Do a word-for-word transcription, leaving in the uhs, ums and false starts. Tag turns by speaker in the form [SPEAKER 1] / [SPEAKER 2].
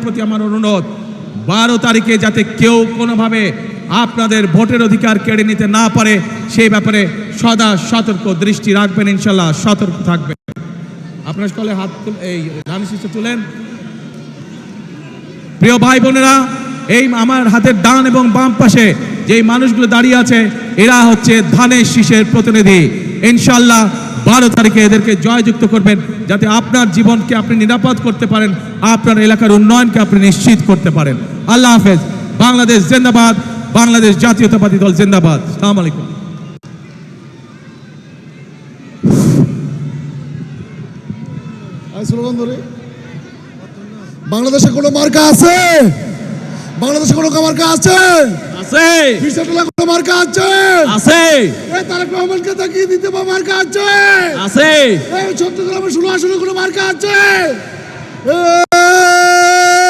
[SPEAKER 1] প্রতি আমার অনুরোধ, বারো তারিখে যাতে কেউ কোনোভাবে আপনাদের ভোটের অধিকার কেড়ে নিতে না পারে সেই ব্যাপারে সদা সতর্ক দৃষ্টি রাখবেন, ইনশাল্লাহ সতর্ক থাকবেন। আপনার সকলে হাত এই ধানের শীষে তুলেন। প্রিয় ভাই বোনেরা, এই আমার হাতের ডান এবং বাম পাশে যেই মানুষগুলো দাঁড়িয়ে আছে এরা হচ্ছে ধানের শীষের প্রতিনিধি। ইনশাল্লাহ বারো তারিখে এদেরকে জয়যুক্ত করবেন যাতে আপনার জীবনকে আপনি নিরাপদ করতে পারেন, আপনার এলাকার উন্নয়নকে আপনি নিশ্চিত করতে পারেন। আল্লাহ হাফেজ। বাংলাদেশ জিন্দাবাদ, বাংলাদেশ জাতীয়তাবাদী দল জিন্দাবাদ। আসসালামু আলাইকুম।
[SPEAKER 2] বাংলাদেশে কোনো মার্কা আছে? বাংলাদেশে কোনো মার্কা আছে?
[SPEAKER 1] আছে।
[SPEAKER 2] বিশাটলা কোনো মার্কা আছে?
[SPEAKER 1] আছে।
[SPEAKER 2] এই তারেক রহমানকে তাকিয়ে দিতে বা মার্কা আছে?
[SPEAKER 1] আছে।
[SPEAKER 2] এই চট্টগ্রামে ষোলো আসনে কোনো মার্কা আছে?